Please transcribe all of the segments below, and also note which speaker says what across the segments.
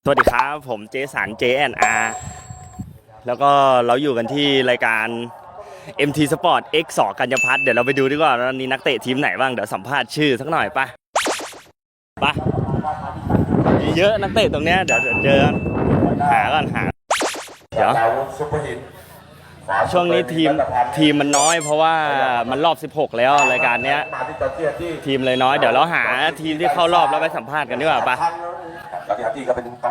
Speaker 1: สวัสดีครับผมเจสัน JNR แล้วก็เราอยู่กันที่รายการ MT Sport X 2กัญญพัฒน์เดี๋ยวเราไปดูดีกว่าวันนี้นักเตะทีมไหนบ้างเดี๋ยวสัมภาษณ์ชื่อสักหน่อยป่ะเยอะนักเตะตรงเนี้ยเดี๋ยวเจอหาเดี๋ยวช่วงนี้ทีมมันน้อยเพราะว่ามันรอบ16แล้วรายการเนี้ยทีมเลยน้อยเดี๋ยวเราหาทีมที่เข้ารอบแล้วไปสัมภาษณ์กันดีกว่าป่ะพี่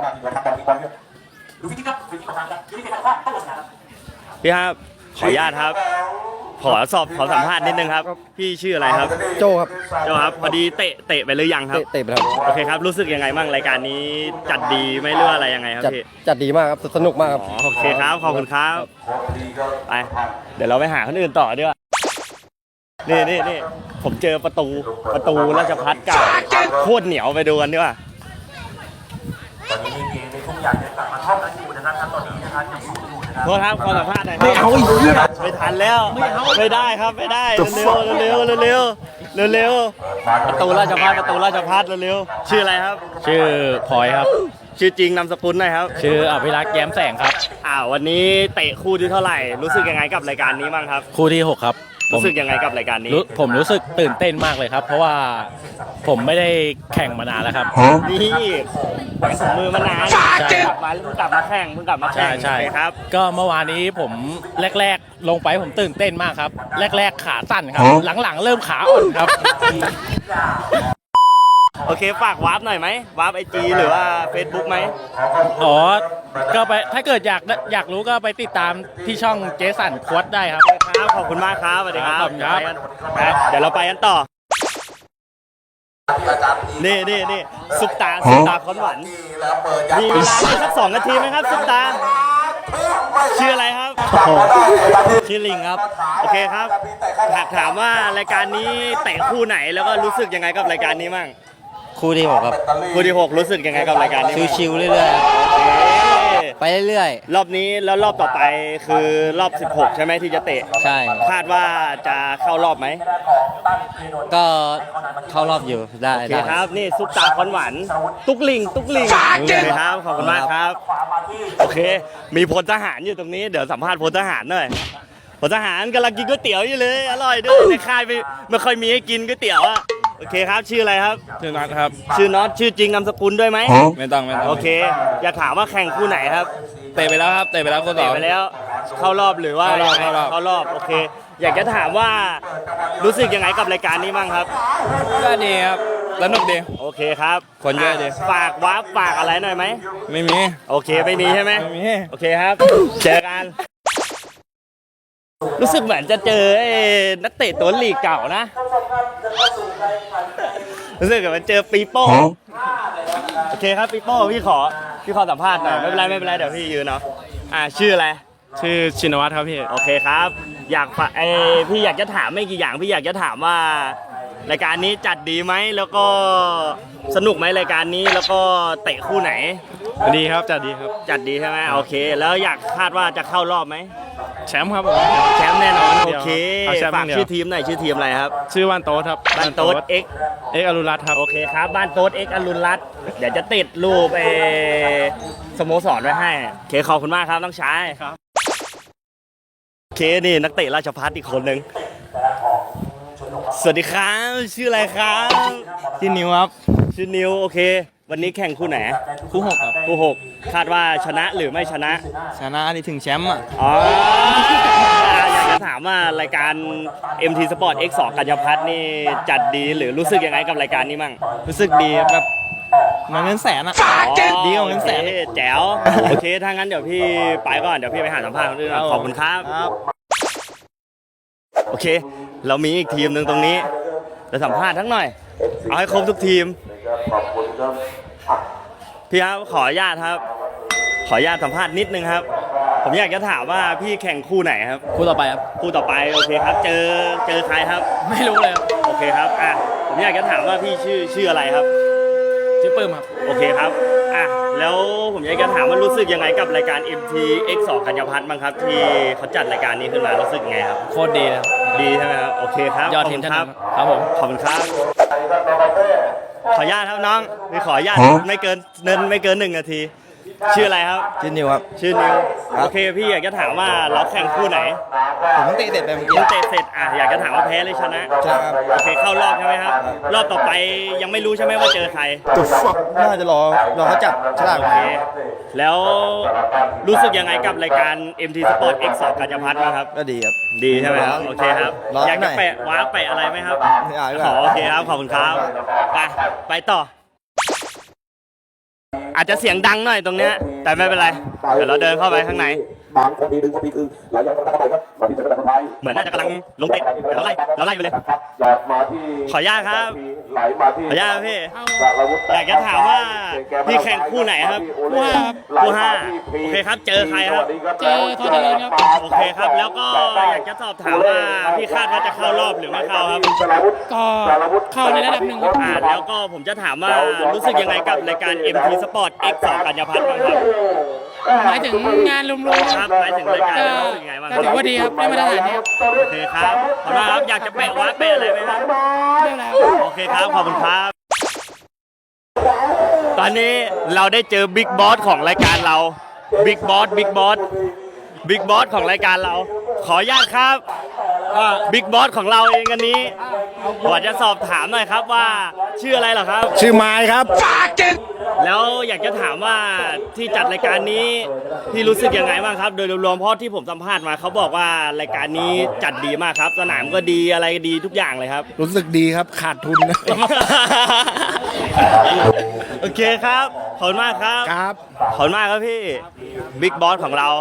Speaker 1: ครับขออนุญาตครับขอสัมภาษณ์นิดนึงครับพี่ชื่ออะไรครับ
Speaker 2: โจครับ
Speaker 1: พอดีเตะไปหรือยังครับ
Speaker 2: เตะไปแล้ว
Speaker 1: โอเคครับรู้สึกยังไงบ้างรายการนี้จัดดีไม่เลือกอะไรยังไงครับพี่
Speaker 2: จัดดีมากครับสนุกมากครับ
Speaker 1: โอเคครับขอบคุณครับไปเดี๋ยวเราไปหาคนอื่นต่อดีกว่านี่ผมเจอประตูราชภัฏเก่าโคตรเหนียวไปดูกันดีกว่าตอนนี้มีเกมในทุกอย่างจะกลับมาท่องกันอยู่นะครับตอนนี้นะครับยังอยู่นะครับโทษครับขอสัมภาษณ์หน่อยไม่เอาอีกไม่ทันแล้วไม่ได้ครับไม่ได้เร็วประตูราชภัฏเร็วชื่ออะไรครับ
Speaker 3: ชื่อพลอยครับ
Speaker 1: ชื่อจริงนามสกุลหน่อยครับ
Speaker 3: ชื่ออภิรักษ์แย้มแสงครับ
Speaker 1: วันนี้เตะคู่ที่เท่าไหร่รู้สึกยังไงกับรายการนี้บ้างครับ
Speaker 3: คู่ที่6ครับ
Speaker 1: รู้สึกยังไงกับรายการนี้
Speaker 3: ผมรู้สึกตื่นเต้นมากเลยครับเพราะว่าผมไม่ได้แข่งมานานแล้วครับ
Speaker 1: นี่สมือมานานกลับมาแข่ง
Speaker 3: ใช่
Speaker 1: ครับ
Speaker 3: ก็เมื่อวานนี้ผมแรกลงไปผมตื่นเต้นมากครับแรกขาสั้นครับหลังๆเริ่มขาอ่อนครับ
Speaker 1: โอเคฝากวาร์ปหน่อยไหมวาร์ปIGหรือว่า Facebook ไหม
Speaker 3: ก็ไปถ้าเกิดอยากรู้ก็ไปติดตามที่ช่องเจสันควอตได้ครับ
Speaker 1: ขอบคุณมากครับสวัสดีครับเดี๋ยวเราไปกันต่อนี่ซุปตาคอนหวันมีเวลาสัก2 นาทีไหมครับซุปตาชื่ออะไรครับชื่อลิงครับโอเคครับถามว่ารายการนี้เตะคู่ไหนแล้วก็รู้สึกยังไงกับรายการนี้มั่ง
Speaker 2: คู่ที่6ครับ
Speaker 1: คู่ที่6รู้สึกยังไงกับรายการนี้
Speaker 2: ชิวๆเรื่อยๆไปเรื่อย
Speaker 1: ๆรอบนี้แล้วรอบต่อไปคือรอบ16ใช่ไหมที่จะเตะ
Speaker 2: ใช่
Speaker 1: คาดว่าจะเข้ารอบไหม
Speaker 2: ก็เข้ารอบอยู่ได้
Speaker 1: โอเคครับนี่ซุปตาคอนหวานตุ๊กลิงโอเคครับขอบคุณมากครับโอเคมีพลทหารอยู่ตรงนี้เดี๋ยวสัมภาษณ์พลทหารหน่อยพลทหารกำลังกินก๋วยเตี๋ยวอยู่เลยอร่อยด้วยในค่ายไม่ค่อยมีให้กินก๋วยเตี๋ยวอะโอเคครับชื่ออะไรครับ
Speaker 3: ชื่อน็อตครับ
Speaker 1: ชื่อน็อตชื่อจริงนามสกุลด้วยไหม
Speaker 3: ไม่ต้อง
Speaker 1: โอเคอยากถามว่าแข่งคู่ไหนครับ
Speaker 3: เตะไปแล้วครับคนต่อ
Speaker 1: ไปแล้วเข้ารอบหรือว่าเข้ารอบโอเคอยากจะถามว่ารู้สึกยังไงกับรายการนี้บ้างครับ
Speaker 3: ก็ดีครับสนุกดี
Speaker 1: โอเคครับ
Speaker 3: คนเยอะดี
Speaker 1: ฝากอะไรหน่อยไหม
Speaker 3: ไม่มี
Speaker 1: โอเคไม่มีใช่ไหม
Speaker 3: ไม่มี
Speaker 1: โอเคครับเจอกันรู้สึกเหมือนจะเจอนักเตะตัวลีกเก่านะรู้สึกเหมือนเจอปีโป้โอเคครับปีโป้พี่ขอสัมภาษณ์หน่อยไม่เป็นไรเดี๋ยวพี่ยืนเนาะชื่ออะไร
Speaker 3: ชื่อชินวัตรครับพี่
Speaker 1: โอเคครับพี่อยากจะถามไม่กี่อย่างพี่อยากจะถามว่ารายการนี้จัดดีไหมแล้วก็สนุกไหมรายการนี้แล้วก็เตะคู่ไหน
Speaker 3: ดีครับจัดดีครับ
Speaker 1: จัดดีใช่ไหมโอเคแล้วอยากคาดว่าจะเข้ารอบไหม
Speaker 3: แชมป์ครับผม
Speaker 1: แชมป์แน่นอนโอเคฝากชื่อทีมหน่อยชื่อทีมอะไรครับ
Speaker 3: ชื่อบ้านโต๊ดครับ
Speaker 1: บ้านโต๊ด X
Speaker 3: อรุณรัตน์ครับ
Speaker 1: โอเคครับบ้านโต๊ด X อรุณรัตน์เดี๋ยวจะติดรูปสโมสรไว้ให้โอเคขอบคุณมากครับน้องชายครับโอเคนี่นักเตะราชภัฏอีกคนนึงสวัสดีครับชื่ออะไรครับ
Speaker 3: ชื่อนิวครับ
Speaker 1: ชื่อนิวโอเควันนี้แข่งคู่ไหน
Speaker 3: คู่6ครับ
Speaker 1: คู่6คาดว่าชนะหรือไม่ชนะ
Speaker 3: นี่ถึงแชมป์อ่ะ
Speaker 1: อยากจะถามว่ารายการ MT Sport X 2กัญญพัฒน์นี่จัดดีหรือรู้สึกยังไงกับรายการนี้มั่ง
Speaker 3: รู้สึกดีแบบเงินแสนอ่ะดีกว่าเงินแสน
Speaker 1: แจ๋วโอเคถ้างั้นเดี๋ยวพี่ไปก่อนเดี๋ยวพี่ไปหาสัมภาษณ์คนอื่นขอบคุณครับโอเคเรามีอีกทีมหนึ่งตรงนี้จะสัมภาษณ์ทั้งหน่อยเอาให้ครบทุกทีมพี่ครับขออนุญาตสัมภาษณ์นิดนึงครับผมอยากจะถามว่าพี่แข่งคู่ไหนครับ
Speaker 3: คู่ต่อไปครับ
Speaker 1: คู่ต่อไปโอเคครับเจอใครครับ
Speaker 3: ไม่รู้เลย
Speaker 1: โอเคครับผมอยากจะถามว่าพี่ชื่ออะไรครับ
Speaker 3: ชื่อปื้มครับ
Speaker 1: โอเคครับแล้วผมอยากจะถามว่ารู้สึกยังไงกับรายการ MT X 2กัญญพัฒน์บ้างครับที่เขาจัดรายการนี้ขึ้นมารู้สึกยังไงครับ
Speaker 3: โคตรดีนะ
Speaker 1: ดีใช่ไหมครับโอเคครับ
Speaker 3: ยอดทีมครับ
Speaker 1: ผมขอบคุณครับขออนุญาตครับน้องขออนุญาตไม่เกิน1 นาทีชื่ออะไรครับ
Speaker 2: ชื่อนิวครับ
Speaker 1: ชื่อนิวโอเคพี่อยากจะถามว่าเราแข่งคู่ไหน
Speaker 2: ผมเพิ่งเตะเสร็จไปเมื่อกี้
Speaker 1: เพิ่งเตะเสร็จอยากจะถามว่าแพ้หรือชนะ
Speaker 2: ใช่ครับ
Speaker 1: โอเคเข้ารอบใช่ไหมครับ รอบต่อไปยังไม่รู้ใช่ไหมว่าเจอใคร
Speaker 2: จุดฟักน่าจะรอเขาจับฉลาก
Speaker 1: โอเคแล้วรู้สึกยังไงกับรายการ MT Sport X 2กัญญาพัฒน์บ้างครับ
Speaker 2: ก็ดีครับ
Speaker 1: ดีใช่ไหมครับโอเคครับ
Speaker 2: ร้อน
Speaker 1: อยาก
Speaker 2: หน่
Speaker 1: จะ
Speaker 2: อย
Speaker 1: แปะว้าร์ปแปะอะไรไหมครับ
Speaker 2: ไม่เอาดีก
Speaker 1: อ๋
Speaker 2: ว่า
Speaker 1: อโอเคครับขอบคุณครับไปต่อ อาจจะเสียงดังหน่อยตรงเนี้ยแต่ไม่เป็นไรเดี๋ยวเราเดินเข้าไปข้างใน
Speaker 4: บางคนทีหนึ่งคนทีคือหลายอย่างต้องตั้งใจครับก่อนที่จะเป็นคนไทย
Speaker 1: เหมือนน่าจะกำลังลงเตะเดี๋ยวเราไล่ไปเลย
Speaker 4: หยอดมาที่
Speaker 1: ขออนุญาตครับ
Speaker 4: ไหลมาที่
Speaker 1: ขออนุญาตครับพี่
Speaker 4: สารวุฒิ
Speaker 1: อยากจะถามว่าพี่แข่งคู่ไหนครับ คู่ห้าโอเคครับเจอใครครับ
Speaker 4: เจอทอดเจริญครับ
Speaker 1: โอเคครับ แล้วก็อยากจะสอบถามว่าพี่คาดว่าจะเข้ารอบหรือไม่เข้าครับ
Speaker 3: ก็เข้าในระดับหนึ่งครับ
Speaker 1: แล้วก็ผมจะถามว่ารู้สึกยังไงกับรายการ MT Sport X 2กัญญาพัฒน์บ้างครับ
Speaker 3: หมายถึงงานรวมๆ
Speaker 1: ค
Speaker 3: ค
Speaker 1: รั
Speaker 3: รั
Speaker 1: บบ หมายถึงรายการรู้สึกยังไงบ้างค
Speaker 3: ก็
Speaker 1: รับ
Speaker 3: ถือว่าดีครับได้มาตรฐานดีครับ
Speaker 1: โอเคครับขอบคุณครับอยากจะแปะวัดแปะอะไรไหมครับ
Speaker 3: เรื่องอะไรครับ
Speaker 1: โอเคครับขอบคุณครับ ตอนนี้เราได้เจอบิ๊กบอสของรายการเราบิ๊กบอสของรายการเรา ขออนุญาตครับบิ๊กบอสของเราเองอันนี้ขอจะสอบถามหน่อยครับว่าชื่ออะไรเหรอครับ
Speaker 2: ชื่อไม้ครับ
Speaker 1: แล้วอยากจะถามว่าที่จัดรายการนี้พี่รู้สึกยังไงบ้างครับ โดยรวมๆเพราะที่ผมสัมภาษณ์มาเขาบอกว่ารายการนี้จัดดีมากครับ สนามก็ดีอะไรก็ดีทุกอย่างเลยครับ
Speaker 2: รู้สึกดีครับขาดทุนนะ
Speaker 1: โอเคครับขอบคุณมากครับ
Speaker 2: ครับ
Speaker 1: ขอบคุณมากครับพี่บิ๊กบอสของเรา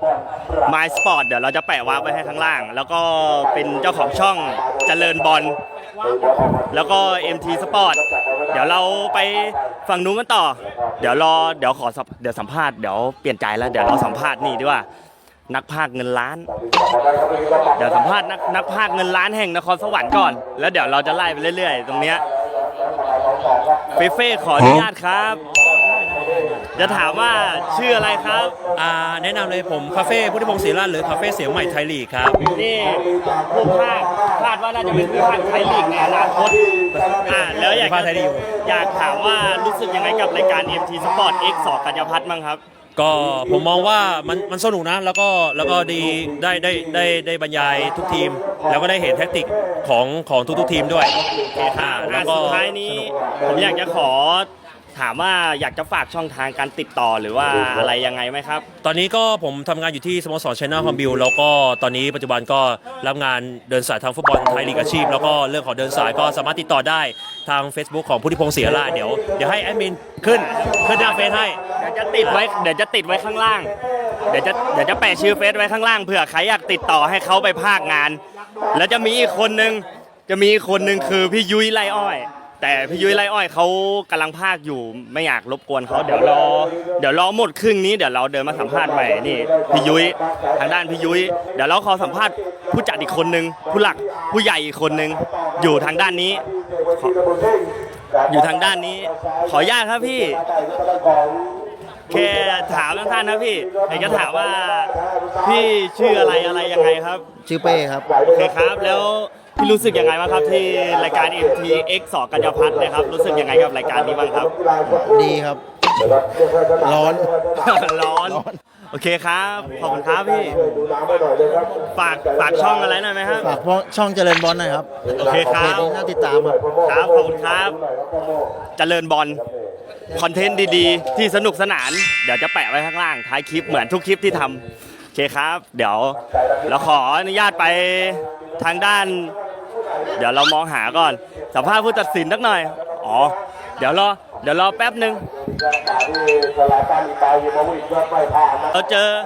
Speaker 1: My Sport เดี๋ยวเราจะแปะวาร์ปไว้ให้ข้างล่าง แล้วก็เป็นเจ้าของช่องเจริญบอลแล้วก็ MT Sport เดี๋ยวเราไปฝั่งนู้นกันต่อ เดี๋ยวขอเดี๋ยวสัมภาษณ์เดี๋ยวเปลี่ยนใจแล้วเดี๋ยวเราสัมภาษณ์นี่ดีกว่านักพากย์เงินล้าน เดี๋ยวสัมภาษณ์นักพากย์เงินล้านแห่งนครสวรรค์ก่อน แล้วเดี๋ยวเราจะไล่ไปเรื่อยๆ ตรงเนี้ยเฟ่ขออนุญาตครับ จะถามว่าชื่ออะไรครับ
Speaker 5: แนะนำเลยผมคาเฟ่พุทธิพงศ์ศรีราชหรือคาเฟ่เสียงใหม่ไทยลีกครับ
Speaker 1: นี่ผู้พากย์คาดว่าน่าจะเป็นผู้พากย์ไทยลีกในอนาคตแล้วอยาก
Speaker 5: ผู้พากย์ไทยลีก
Speaker 1: อยากถามว่ารู้สึกยังไงกับรายการ MT Sport X 2กัญญาพัฒน์บ้างครับ
Speaker 5: ก็ผมมองว่ามันสนุกนะแล้วก็ดีได้บรรยายทุกทีม แล้วก็ได้เห็นแท็กติกของทุกทีมด้วย แล้วก็
Speaker 1: สุดท้ายนี้ผมอยากจะขอถามว่าอยากจะฝากช่องทางการติดต่อหรือว่าอะไรยังไงไหมครับ
Speaker 5: ตอนนี้ก็ผมทำงานอยู่ที่สโมสรชัยนาทฮอมบิลแล้วก็ตอนนี้ปัจจุบันก็รับงานเดินสายทางฟุตบอลไทยลีกอาชีพแล้วก็เรื่องของเดินสายก็สามารถติดต่อได้ทาง Facebook ของพุทธิพงศ์ศรีราชเดี๋ยวให้แอดมินขึ้นหน้าเฟซให้
Speaker 1: เดี๋ยวจะติดไว้ข้างล่าง เดี๋ยวจะแปะชื่อเฟซไว้ข้างล่างเผื่อใครอยากติดต่อให้เขาไปภาคงาน แล้วจะมีอีกคนนึงคือพี่ยุ้ยไร่อ้อย แต่พี่ยุ้ยไร่อ้อยเขากำลังภาคอยู่ไม่อยากรบกวนเขาเดี๋ยวรอหมดครึ่งนี้เดี๋ยวเราเดินมาสัมภาษณ์ใหม่นี่พี่ยุ้ยทางด้านพี่ยุ้ยเดี๋ยวเราขอสัมภาษณ์ผู้จัดอีกคนนึงผู้หลักผู้ใหญ่อีกคนนึงอยู่ทางด้านนี้ อยู่ทางด้านนี้ขออนุญาตครับพี่แค่ถามท่านๆนะพี่อยากจะถามว่าพี่ชื่ออะไรยังไงครับ
Speaker 2: ชื่อเป้ครับ
Speaker 1: โอเคครับแล้วพี่รู้สึกยังไงบ้างครับที่รายการ MTX 2กัญญาพัฒน์นะครับรู้สึกยังไงกับรายการนี้บ้างครับ
Speaker 2: ดีครับ ร้อน
Speaker 1: ร้อนโอเคครับขอบคุณครับพี่ฝากช่องอะไรหน่อยไหมครับ
Speaker 2: ฝากพวกช่องเจริญบอลหน่อยครับ
Speaker 1: โอเคครับ
Speaker 2: เพจนี้น่าติดตามครับ
Speaker 1: ครับขอบคุณครับเจริญบอลคอนเทนต์ดีๆ ที่สนุกสนานเดี๋ยวจะแปะไว้ข้างล่างท้ายคลิปเหมือนทุกคลิปที่ทำโอเคครับ เดี๋ยวเราขออนุญาตไปทางด้าน เดี๋ยวเรามองหาก่อนสัมภาษณ์ผู้ตัดสินสักหน่อยอ๋อเดี๋ยวรอแป๊บหนึ่งเราเจอ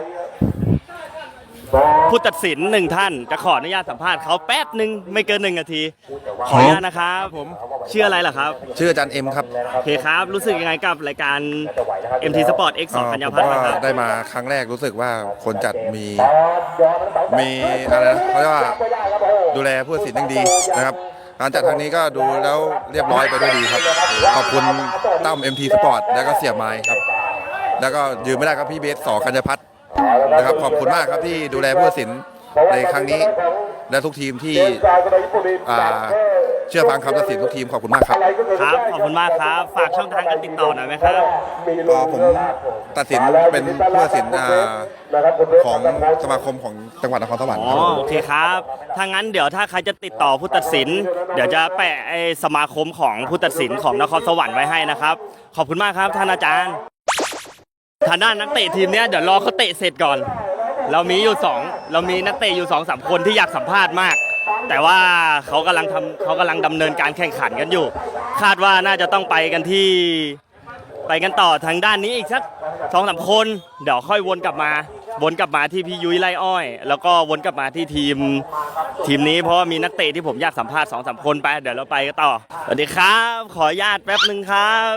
Speaker 1: ผู้ตัดสินหนึ่งท่านจะขออนุญาตสัมภาษณ์เขาแป๊บหนึ่งไม่เกิน1 นาทีขออนุญาตนะครับผมชื่ออะไรล่ะครับ
Speaker 6: ชื่ออาจารย์เอ็มครับ
Speaker 1: โอเคครับรู้สึกยังไงกับรายการ MT Sport X 2กัญญาพัฒน์
Speaker 6: ผม
Speaker 1: บ้างค
Speaker 6: ว่า
Speaker 1: รับ
Speaker 6: ได้มาครั้งแรกรู้สึกว่าคนจัดมีอะไรนะเขาเรียกว่าดูแลผู้ตัดสินอย่างดีนะครับการจัดครั้งนี้ก็ดูแล้วเรียบร้อยไปด้วยดีครับ ขอบคุณตั้ม MT Sport แล้วก็เสียไม้ครับ แล้วก็ยืมไม่ได้ครับพี่เบสกัญญาพัฒน์นะครับขอบคุณมากครับที่ดูแลผู้ตัดสินในครั้งนี้ และทุกทีมที่เชื่อฟังคำตัดสินทุกทีมขอบคุณมากครับ
Speaker 1: ครับขอบคุณมากครับฝากช่องทางการติดต่อหน่อยไหมครับ
Speaker 6: ผมตัดสินเป็นผู้ตัดสินของสมาคมของจังหวัดนครสวรรค์
Speaker 1: อ๋อ
Speaker 6: ครับ
Speaker 1: โอเคครับถ้างั้นเดี๋ยวถ้าใครจะติดต่อผู้ตัดสิน เดี๋ยวจะแปะไอ้สมาคมของผู้ตัดสินของนครสวรรค์ไว้ให้นะครับขอบคุณมากครับท่านอาจารย์ทางด้านนักเตะทีมเนี้ยเดี๋ยวรอเขาเตะเสร็จก่อน เรามีนักเตะอยู่ 2-3 คนที่อยากสัมภาษณ์มาก แต่ว่าเขากำลังดำเนินการแข่งขันกันอยู่ คาดว่าน่าจะต้องไปกันต่อทางด้านนี้อีกสัก 2-3 คนเดี๋ยวค่อยวนกลับมาที่พี่ยุ้ยไล่อ้อย แล้วก็วนกลับมาที่ทีมนี้เพราะว่ามีนักเตะที่ผมอยากสัมภาษณ์ 2-3 คนไปเดี๋ยวเราไปกันต่อสวัสดีครับขออนุญาตแป๊บหนึ่งครับ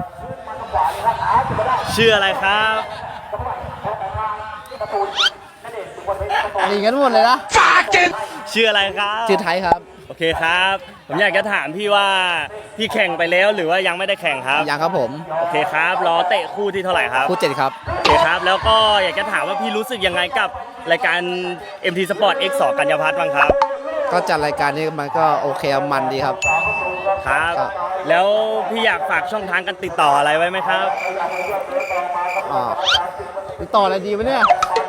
Speaker 1: ชื่ออะไรครับ
Speaker 2: หนีกันหมดเลยนะ
Speaker 1: ชื่ออะไรครับ
Speaker 2: ชื่อไทยครับ
Speaker 1: โอเคครับ ผมอยากจะถามพี่ว่าพี่แข่งไปแล้วหรือว่ายังไม่ได้แข่งครับ
Speaker 2: ยังครับผม
Speaker 1: โอเคครับรอเตะคู่ที่เท่าไหร่ครับ
Speaker 2: คู่7ครับ
Speaker 1: โอเคครับแล้วก็อยากจะถามว่าพี่รู้สึกยังไงกับรายการ MT Sport X2 กัญญาพัฒน์บ้างครับ
Speaker 2: ก็จัดรายการนี้มันก็โอเคมันดีครับ
Speaker 1: ครับ
Speaker 2: ครับ
Speaker 1: แล้วพี่อยากฝากช่องทางการติดต่ออะไรไว้ไหมครับ
Speaker 2: ติดต่ออะไรดีวะเนี่ย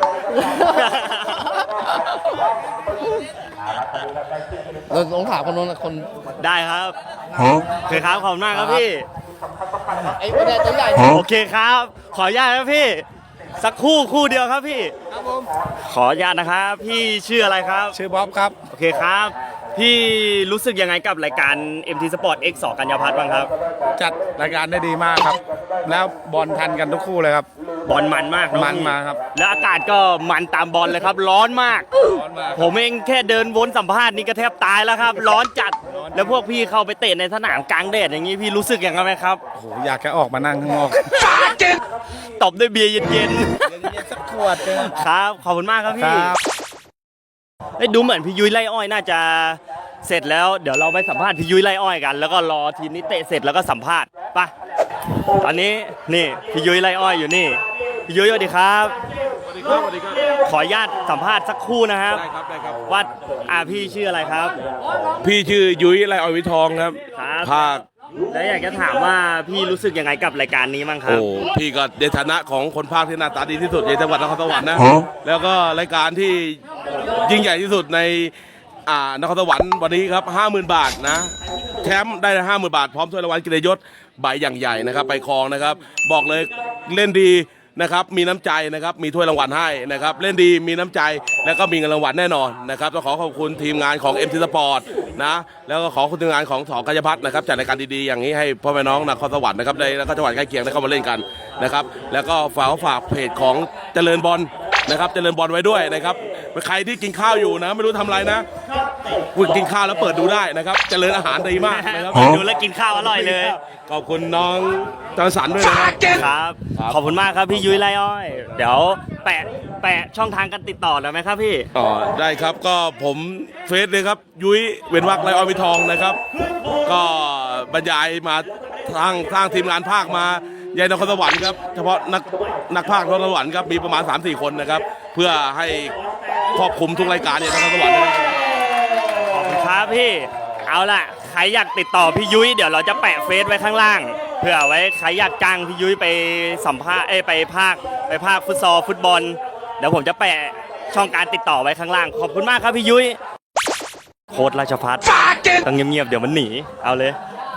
Speaker 2: เราลองถามคนนู้นคน
Speaker 1: ได้ครับโอเคครับขอบคุณมากครับพี่
Speaker 2: ไอ้ประเด็นตัวใหญ่
Speaker 1: โอเคครับ ขออนุญาตครับพี่ สักคู่เดียวครับพี่
Speaker 2: ครับผม
Speaker 1: ขออนุญาตนะครับ พี่ชื่ออะไรครับ
Speaker 7: ชื่อบ๊อบครับ
Speaker 1: โอเคครับ พี่รู้สึกยังไงกับรายการ MT Sport X2 กัญญาพัฒน์บ้างครับ
Speaker 7: จัดรายการได้ดีมากครับ แล้วบอลทันกันทุกคู่เลยครับ
Speaker 1: บอลมันมากเอะ
Speaker 7: มัน
Speaker 1: พี่
Speaker 7: มาครับ
Speaker 1: แล้วอากาศก็มันตามบอลเลยครับ ร้อนมาก
Speaker 7: ร้อนมาก
Speaker 1: ผมเองแค่เดินวนสัมภาษณ์นี่ก็แทบตายแล้วครับ ร้อนจัด แล้วพวกพี่เข้าไปเตะในสนามกลางแดดอย่างนี้พี่รู้สึกยังไงไหมครับ
Speaker 7: โอ้โหอยากจะออกมานั่งข้างนอก
Speaker 1: ตบด้วยเบียร์เย็น
Speaker 7: สักขวดเลย
Speaker 1: ๆครับ ขอบคุณมากครับ
Speaker 7: ค
Speaker 1: พี่
Speaker 7: รับ
Speaker 1: เอ้ยดูเหมือนพี่ยุ้ยไล่อ้อยน่าจะเสร็จแล้วเดี๋ยวเราไปสัมภาษณ์พี่ยุ้ยไล่อ้อยกัน แล้วก็รอทีมนี้เตะเสร็จแล้วก็สัมภาษณ์ไปะตอนนี้นี่พี่ยุ้ยไล่อ้อยอยู่นี่พี่ยุ้ยสวัสดีครับ ขออนุญาตสัมภาษณ์สักครู่นะครับ
Speaker 7: ได้ครับ
Speaker 1: ว่าพี่ชื่ออะไรครับ
Speaker 7: พี่ชื่อยุ้ยไรออยวิทองครับ
Speaker 1: ครับ
Speaker 7: ภาค
Speaker 1: แล้วอยากจะถามว่าพี่รู้สึกยังไงกับรายการนี้บ้างครั
Speaker 7: โอ้
Speaker 1: บ
Speaker 7: พี่ก็ในฐานะของคนภาคที่หน้าตาดีที่สุดในจังหวัดนครสวรรค์นะ แล้วก็รายการที่ยิ่งใหญ่ที่สุดในนครสวรรค์วันนี้ครับ 50,000 บาทนะแชมป์ได้ 50,000 บาทพร้อมถ้วยรางวัลเกียรติยศใบอย่างใหญ่นะครับไปครองนะครับ บอกเลยเล่นดีนะครับมีน้ำใจนะครับมีถ้วยรางวัลให้นะครับเล่นดีมีน้ำใจแล้วก็มีเงินรางวัลแน่นอนนะครับต้องขอขอบคุณทีมงานของ MT Sport นะแล้วก็ขอขอบคุณทีมงานของสกัญญาพัฒน์นะครับจัดรายการดีๆอย่างนี้ให้พ่อแม่น้องนครสวรรค์นะครับได้แล้วก็จังหวัดใกล้เคียงได้เข้ามาเล่นกันนะครับแล้วก็ฝากเพจของเจริญบอลนะครับเจริญบอลไว้ด้วยนะครับใครที่กินข้าวอยู่นะไม่รู้ทำอะไรนะกินข้าวแล้วเปิดดูได้นะครับเจริญอาหารดีมากนะครับ
Speaker 1: ดูแล้วกินข้าวอร่อยเลย
Speaker 7: ขอบคุณน้องจอห์นสันด้วยนะครับ
Speaker 1: ครับ ขอบคุณมากครับพี่ยุ้ยไล่อ้อย เดี๋ยวแปะช่องทางการติดต่อได้ไหมครับพี่
Speaker 7: อ๋อได้ครับก็ผมเฟซเลยครับยุ้ยเว้นวักไรออยวิทองนะครับ ก็บรรยายมาทางทีมงานภาคมาใหญ่นครสวรรค์ครับเฉพาะนักภาคนครสวรรค์ครับมีประมาณ 3-4 คนนะครับ เพื่อให้ครอบคลุมทุกรายการเนี่ยนครสวรรค์นะครับ
Speaker 1: ขอบคุณครับพี่ เอาล่ะ ใครอยากติดต่อพี่ยุ้ยเดี๋ยวเราจะแปะเฟซไว้ข้างล่าง เพื่อไว้ใครอยากจ้างพี่ยุ้ยไปสัมภาษณ์ไปภาคฟุตบอล เดี๋ยวผมจะแปะช่องการติดต่อไว้ข้างล่าง ขอบคุณมากครับพี่ยุ้ยโค้ดราชพัฒน์ต้องเงียบๆเดี๋ยวมันหนีเอาเลย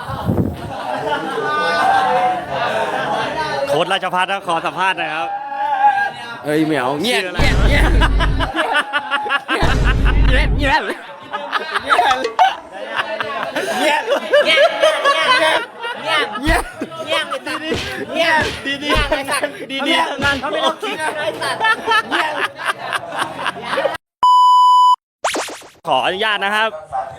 Speaker 1: โค้ดราชพัฒน์ขอสัมภาษณ์หน่อยครับเฮ้ยเหมียวเงียบเงียบเงียบเงียบดีงานเขาไม่ต้องคิดไอ้สัตว์ขออนุญาตนะครับ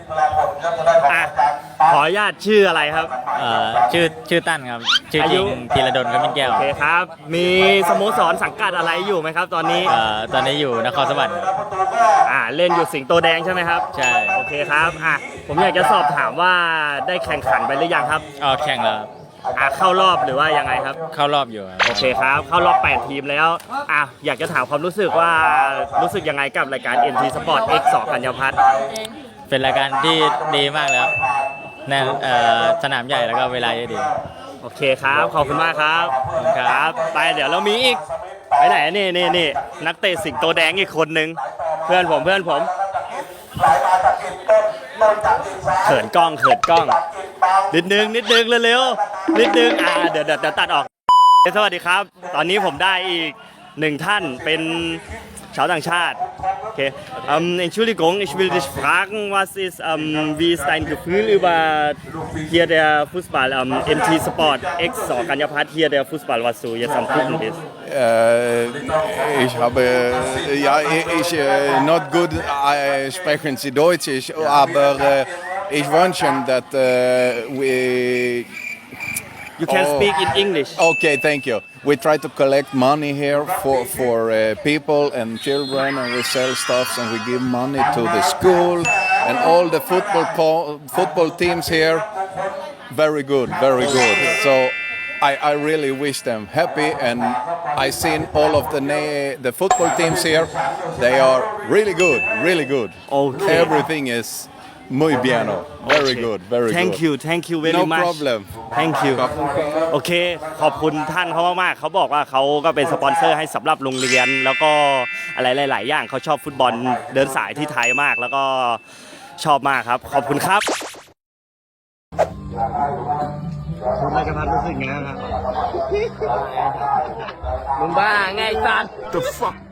Speaker 1: ขออนุญาตชื่ออะไรครับ
Speaker 8: ชื่อตั้นครับ ชื่อจริงธีรดลกมิ้นแก้ว
Speaker 1: โอเคครับ มีสโมสรสังกัดอะไรอยู่ไหมครับ ตอนนี้
Speaker 8: ตอนนี้อยู่นครสวรรค์
Speaker 1: เล่นอยู่สิงโตแดงใช่ไหมครับ
Speaker 8: ใช่
Speaker 1: โอเคครับผมอยากจะสอบถามว่าได้แข่งขันไปหรือยังครับ
Speaker 8: แข่งแล้ว
Speaker 1: เข้ารอบหรือว่ายังไงครับ
Speaker 8: เข้ารอบอยู่ครับ
Speaker 1: โอเคครับ เข้ารอบ 8 ทีมแล้วอยากจะถามความรู้สึกว่ารู้สึกยังไงกับรายการ MT Sport X2 กัญญาพัฒน์
Speaker 8: เป็นรายการที่ดีมากแล้ว
Speaker 1: โ
Speaker 8: แน่สนามใหญ่แล้วก็เวลาเยอะดี
Speaker 1: โอเคครับ ขอบคุณมากครับครับไปเดี๋ยวเรามีอีกไปไหนนี่นักเตะสิงโตแดงอีกคนนึงเพื่อนผมเขินกล้องนิดนึงเร็วๆนิดนึงเดี๋ยวตัดออกสวัสดีครับ ตอนนี้ผมได้อีกหนึ่งท่านเป็นชาวต่างชาติโอเคEntschuldigung ich will dich fragen was ist wie ist dein Gefühl über hier der Fußball MT Sport X Sorganjapat hier der Fußball was du jetzt am gucken bist
Speaker 6: Ich habe, ja, ich not good sprechen Sie Deutsch, aber ich wünsche, dass we.
Speaker 1: You can speak in English
Speaker 6: Okay, thank you. We try to collect money here for people and children, and we sell stuff and we give money to the school and all the football teams here. Very good. So I really wish them happy, and I seen all of the football teams here. They are really good.
Speaker 1: Okay.
Speaker 6: Everything is muy bien. Very good.
Speaker 1: Thank you very
Speaker 6: No
Speaker 1: much
Speaker 6: problem.
Speaker 1: Thank you โอเคขอบคุณท่านเขามากๆเขาบอกว่าเขาก็เป็นสปอนเซอร์ให้สำหรับโรงเรียนแล้วก็อะไรหลายๆอย่างเขาชอบฟุตบอลเดินสายที่ไทยมากแล้วก็ชอบมากครับขอบคุณครับคุณราชพัฒน์รู้สึกไงครับมึงบ้าไงสัตว์
Speaker 7: The fuck